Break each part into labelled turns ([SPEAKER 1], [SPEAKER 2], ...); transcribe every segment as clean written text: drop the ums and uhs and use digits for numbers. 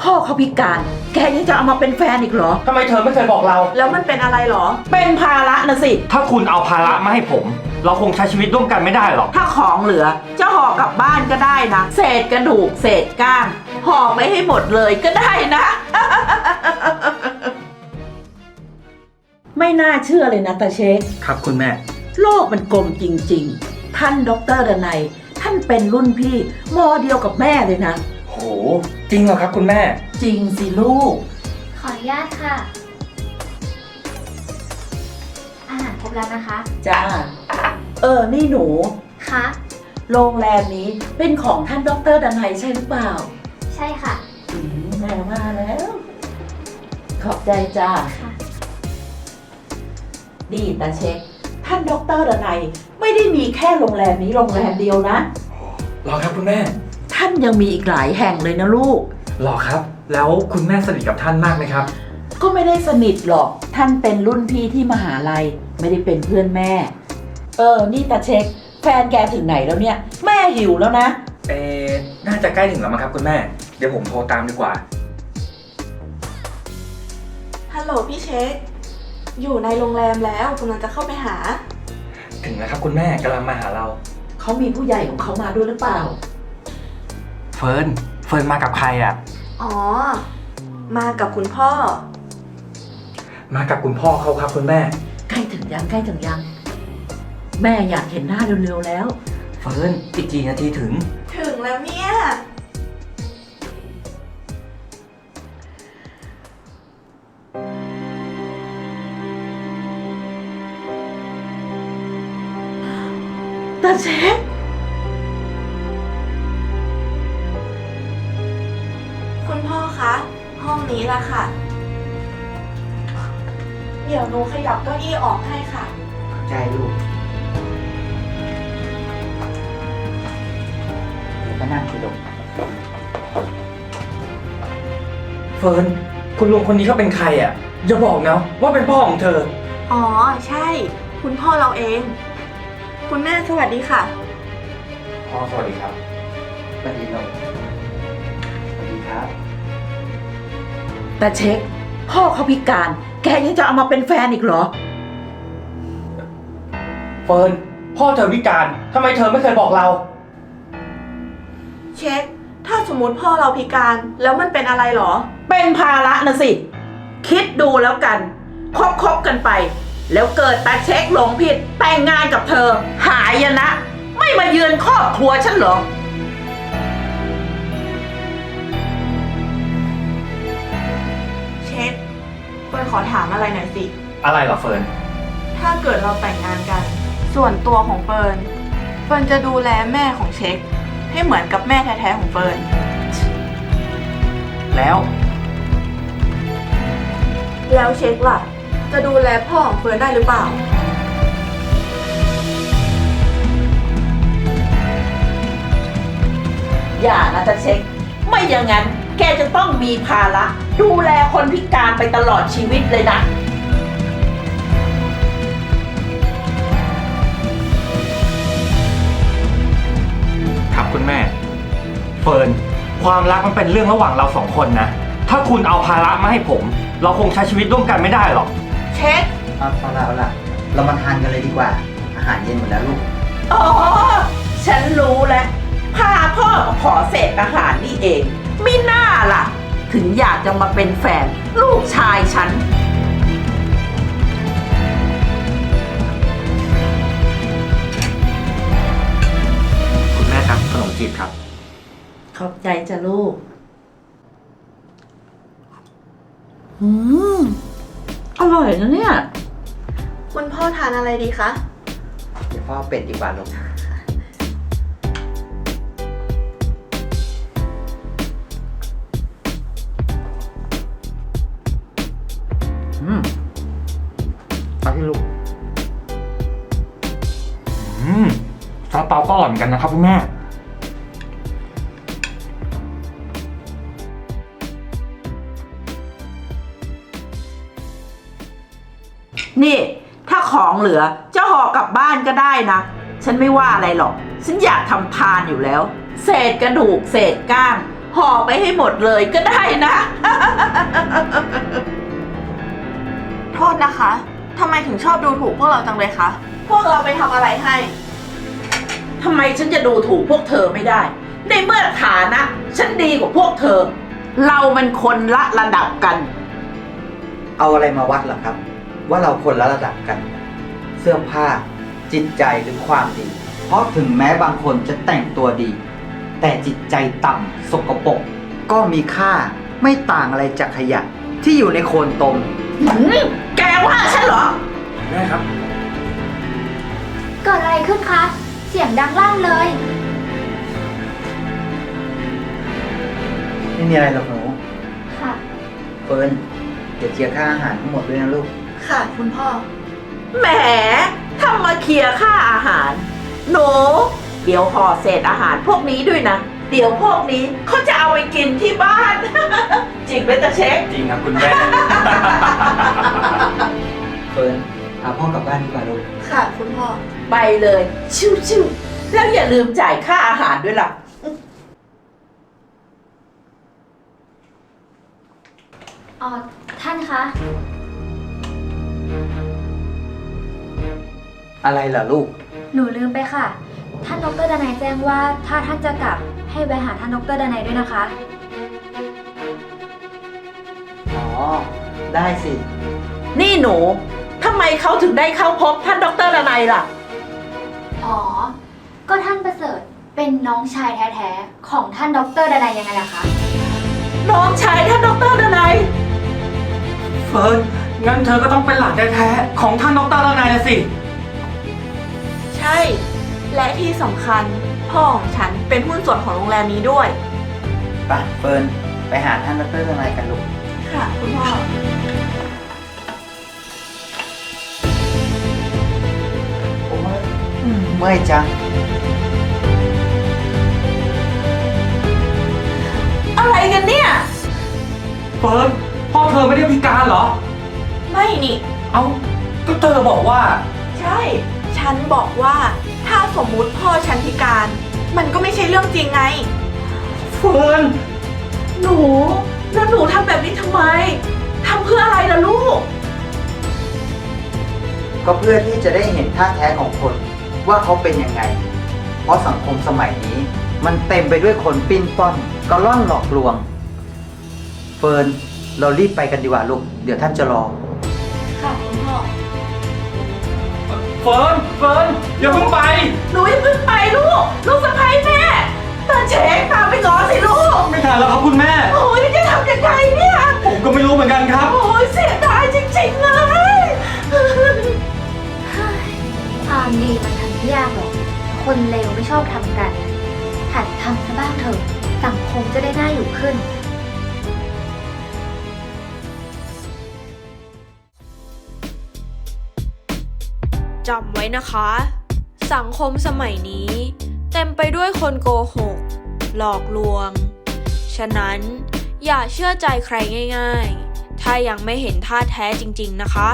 [SPEAKER 1] พ่อเขาพิการแกยังจะเอามาเป็นแฟนอีกเหรอ
[SPEAKER 2] ทำไมเธอไม่เคยบอกเรา
[SPEAKER 3] แล้วมันเป็นอะไรหรอ
[SPEAKER 1] เป็นภาระนะสิ
[SPEAKER 2] ถ้าคุณเอาภาระมาให้ผม เราคงใช้ชีวิตร่วมกันไม่ได้หรอก
[SPEAKER 1] ถ้าของเหลือจะห่อกลับบ้านก็ได้นะ เศษกระดูกเศษก้างห่อไม่ให้หมดเลยก็ได้นะ ไม่น่าเชื่อเลยนะตาเช็ค
[SPEAKER 2] ครับคุณแม่
[SPEAKER 1] โลกมันกลมจริงๆ ท่านดรดนัยท่านเป็นรุ่นพี่มอเดียวกับแม่เลยนะ
[SPEAKER 2] โห จริงเหรอครับคุณแม่
[SPEAKER 1] จริงสิลูก
[SPEAKER 4] ขออนุญาตค่ะ อาหารครบแล้วนะคะ
[SPEAKER 1] จ้า นี่หนู
[SPEAKER 4] คะ
[SPEAKER 1] โรงแรมนี้เป็นของท่านดรดนัยใช่หรือเปล่า
[SPEAKER 4] ใช่ค่ะ
[SPEAKER 1] แม่มาแล้ว ขอบใจจ้า
[SPEAKER 4] ค่ะ
[SPEAKER 1] ดีตาเช็ค ท่านดรดนัยไม่ได้มีแค่โรงแรมนี้โรงแรมเดียวนะ
[SPEAKER 2] หรอครับคุณแม่
[SPEAKER 1] ท่านยังมีอีกหลายแห่งเลยนะลูก
[SPEAKER 2] หรอครับ แล้วคุณแม่สนิทกับท่านมากไหมครับ
[SPEAKER 1] ก็ไม่ได้สนิทหรอก ท่านเป็นรุ่นพี่ที่มหาลัย ไม่ได้เป็นเพื่อนแม่ นี่ตาเช็ค แฟนแกถึงไหนแล้วเนี่ย แม่หิวแล้วนะ
[SPEAKER 2] น่าจะใกล้ถึงแล้วมั้งครับคุณแม่ เดี๋ยวผมโทรตามดีกว่า
[SPEAKER 3] ฮัลโหลพี่เช็ค อยู่ในโรงแรมแล้วกำลังจะเข้าไปหา
[SPEAKER 2] ถึงแล้วครับคุณแม่กำลังมาหาเรา
[SPEAKER 1] เขามีผู้ใหญ่ของเขามาด้วยหรือเปล่า
[SPEAKER 2] เฟิร์นมากับใครอ่ะ
[SPEAKER 3] อ๋อ มากับคุณพ่อ
[SPEAKER 2] มากับคุณพ่อเขาครับคุณแม่
[SPEAKER 1] ใกล้ถึงยังใกล้ถึงยัง แม่อยากเห็นหน้าเร็วๆแล้ว
[SPEAKER 2] เฟิร์นอีกกี่นาทีถึง
[SPEAKER 3] ถึงแล้วเนี่ย
[SPEAKER 1] ตาเช็ค
[SPEAKER 3] คุณพ่อคะ ห้องนี้ละค่ะ เดี๋ยวหนูขยับเก้าอี้ออกให้ค่ะ
[SPEAKER 2] ใจลูก
[SPEAKER 1] มานั่งคุยลง
[SPEAKER 2] เฟิร์นคุณลุงคนนี้เขาเป็นใครอ่ะอย่าบอกนะว่าเป็นพ่อของเธอ
[SPEAKER 3] อ๋อ ใช่ คุณพ่อเราเอง คุณแม่สวัสดีค่ะ
[SPEAKER 2] พ่อสวัสดีครับสวัสดีน้องสวัสดีครับ
[SPEAKER 1] ตาเช็ค พ่อเขาพิการ แกยังจะเอามาเป็นแฟนอีกเหรอ
[SPEAKER 2] เฟิร์นพ่อเธอพิการทำไมเธอไม่เคยบอกเรา
[SPEAKER 3] เช็ค ถ้าสมมติพ่อเราพิการแล้วมันเป็นอะไรหรอ
[SPEAKER 1] เป็นภาระนะสิ คิดดูแล้วกันคบกันไป แล้วเกิดตาเช็คหลงผิด แต่งงานกับเธอ หายนะ ไม่มาเยือนครอบครัวฉันเหรอ
[SPEAKER 3] เช็คเฟิร์นขอถามอะไรหน่อยสิ
[SPEAKER 2] อะไรเหรอเฟิร์น
[SPEAKER 3] ถ้าเกิดเราแต่งงานกัน ส่วนตัวของเฟิร์นจะดูแลแม่ของเช็ค ให้เหมือนกับแม่แท้ๆของเฟิร์น
[SPEAKER 2] แล้ว
[SPEAKER 3] แล้วเช็คล่ะ จะดูแลพ่อของเฟิร์นได้หรือเปล่า
[SPEAKER 1] อย่านะตาเช็ค ไม่อย่างนั้น แกจะต้องมีภาระ ดูแลคนพิการไปตลอดชีวิตเลยนะ
[SPEAKER 2] ครับคุณแม่ เฟิร์นความรักมันเป็นเรื่องระหว่างเราสองคนนะ ถ้าคุณเอาภาระมาให้ผม เราคงใช้ชีวิตร่วมกันไม่ได้หรอก
[SPEAKER 3] เช็ค
[SPEAKER 5] เอาละเรามาทานกันเลยดีกว่า อาหารเย็นหมดแล้วลูก
[SPEAKER 1] อ๋อ ฉันรู้แล้ว พาพ่อมาขอเศษอาหารนี่เองไม่น่าล่ะ ถึงอยากจะมาเป็นแฟน ลูกชายฉัน
[SPEAKER 2] คุณแม่ครับขนมจีบครับ
[SPEAKER 1] ขอบใจจ้ะลูก อืม อร่อยนะเนี่ย
[SPEAKER 3] คุณพ่อทานอะไรดีคะ
[SPEAKER 5] เดี๋ยวพ่อเอาเป็ดดีกว่าลูก
[SPEAKER 2] มาที่ลูกซาลาเปาก็อร่อยเหมือนกันนะครับคุณแม่
[SPEAKER 1] นี่ ถ้าของเหลือจะห่อกลับบ้านก็ได้นะ ฉันไม่ว่าอะไรหรอก ฉันอยากทำทานอยู่แล้ว เศษกระดูกเศษก้างห่อไปให้หมดเลยก็ได้นะ
[SPEAKER 3] โทษนะคะทำไมถึงชอบดูถูกพวกเราจังเลยคะ พวกเราไปทำอะไรให้
[SPEAKER 1] ทำไมฉันจะดูถูกพวกเธอไม่ได้ ในเมื่อฐานะ ฉันดีกว่าพวกเธอ เรามันคนละระดับกัน
[SPEAKER 5] เอาอะไรมาวัดเหรอครับ ว่าเราคนละระดับกัน เสื้อผ้า จิตใจหรือความดี เพราะถึงแม้บางคนจะแต่งตัวดี แต่จิตใจต่ำสกปรกก็มีค่าไม่ต่างอะไรจากขยะที่อยู่ในโคลนตม
[SPEAKER 1] แกว่าฉันเหรอ
[SPEAKER 2] แม่ครับ
[SPEAKER 4] เกิดอะไรขึ้นคะ เสียงดังลั่นเลย
[SPEAKER 5] ไม่มีอะไรหรอกหนู
[SPEAKER 4] ค่ะ
[SPEAKER 5] เฟิร์นเดี๋ยวเคลียร์ค่าอาหารทั้งหมดด้วยนะลูก
[SPEAKER 3] ค่ะคุณพ่อ
[SPEAKER 1] แหมทำมาเคลียร์ค่าอาหาร หนู เดี๋ยวห่อเศษอาหารพวกนี้ด้วยนะ เดี๋ยวพวกนี้เขาจะเอาไปกินที่บ้าน จริงไหมตาเช็ค
[SPEAKER 2] จริงครับคุณแม่
[SPEAKER 5] เฟิร์นพาพ่อกลับบ้านดีกว่าลูก
[SPEAKER 3] ค่ะคุณพ่อ
[SPEAKER 1] ไปเลย ชิวๆแล้วอย่าลืมจ่ายค่าอาหารด้วยล่ะ
[SPEAKER 4] ท่านคะ
[SPEAKER 5] อะไรเหรอลูก
[SPEAKER 4] หนูลืมไปค่ะ ท่านดร.ดนัยแจ้งว่าถ้าท่านจะกลับให้แวะหาท่านดร.ดนัยด้วยนะคะ
[SPEAKER 5] อ๋อ ได้สิ
[SPEAKER 1] นี่หนูทำไมเขาถึงได้เข้าพบท่านดร.ดนัยล่ะ
[SPEAKER 4] อ๋อ ก็ท่านประเสริฐเป็นน้องชายแท้ๆของท่านดร.ดนัยยังไงล่ะคะ
[SPEAKER 1] น้องชายท่านดร.ดนัย
[SPEAKER 2] เฟิร์น งั้นเธอก็ต้องเป็นหลานแท้ๆของท่านดร.ดนัยนะสิ
[SPEAKER 3] ใช่ และที่สำคัญพ่อของฉันเป็นหุ้นส่วนของโรงแรมนี้ด้วย
[SPEAKER 5] ไปเฟิร์น ไปหาท่านดรอะไรกันลูก
[SPEAKER 3] ค่ะคุณพ่อ
[SPEAKER 5] โอ้ยเมื่อยจัง
[SPEAKER 1] อะไรกันเนี่ย
[SPEAKER 2] เฟิร์น พ่อเธอไม่ได้พิการเหรอ
[SPEAKER 3] ไม่นี่
[SPEAKER 2] เอ้า ก็เธอบอกว่า
[SPEAKER 3] ใช่ ฉันบอกว่าถ้าสมมุติพ่อฉันพิการ มันก็ไม่ใช่เรื่องจริงไง
[SPEAKER 2] เฟิร์น
[SPEAKER 1] หนู แล้วหนูทำแบบนี้ทำไม ทำเพื่ออะไรล่ะลูก
[SPEAKER 5] ก็เพื่อที่จะได้เห็นท่าแท้ของคนว่าเขาเป็นยังไง เพราะสังคมสมัยนี้ มันเต็มไปด้วยคนปิ้นป้อนกระล่อนหลอกลวง เฟิร์น เรารีบไปกันดีกว่าลูก เดี๋ยวท่านจะรอ
[SPEAKER 3] ค่ะคุณพ่อ
[SPEAKER 2] เฟิร์น เฟิร์น อย่าเพิ่งไป
[SPEAKER 1] หนูอย่าเพิ่งไปลูก ลูกสะใภ้แม่ตาเช็คตามไปง้อสิลูก
[SPEAKER 2] ไม่ทันแล้วครับคุณแม่
[SPEAKER 1] โอ้ยจะทำยังไงเนี่ย
[SPEAKER 2] ผมก็ไม่รู้เหมือนกันครับ
[SPEAKER 1] โอ้ยเสียดายจริงๆเลย
[SPEAKER 4] ความดีมันทำไม่ยากหรอก คนเลวไม่ชอบทำกัน หัดทำซะบ้างเถอะ สังคมจะได้น่าอยู่ขึ้น
[SPEAKER 6] จำไว้นะคะ สังคมสมัยนี้เต็มไปด้วยคนโกหก หลอกลวง ฉะนั้นอย่าเชื่อใจใครง่ายๆ ถ้ายังไม่เห็นท่าแท้จริงๆนะคะ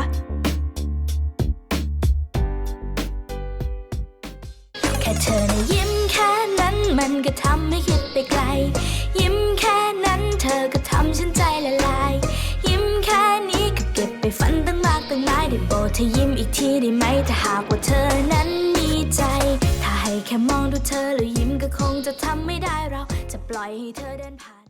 [SPEAKER 7] แค่เธอนะยิ้มแค่นั้นมันก็ทำให้คิดไปไกล ยิ้มแค่นั้นเธอก็ทำฉันใจละลาย ยิ้มแค่นี้ก็เก็บไปฝันตั้งมากตั้งหลายได้โปรดเธอยิ้มอีกทีได้ไหมถ้าหากว่าเธอนั้นมีใจ ถ้าให้แค่มองดูเธอแล้วยิ้มก็คงจะทำไม่ได้เราจะปล่อยให้เธอเดินผ่าน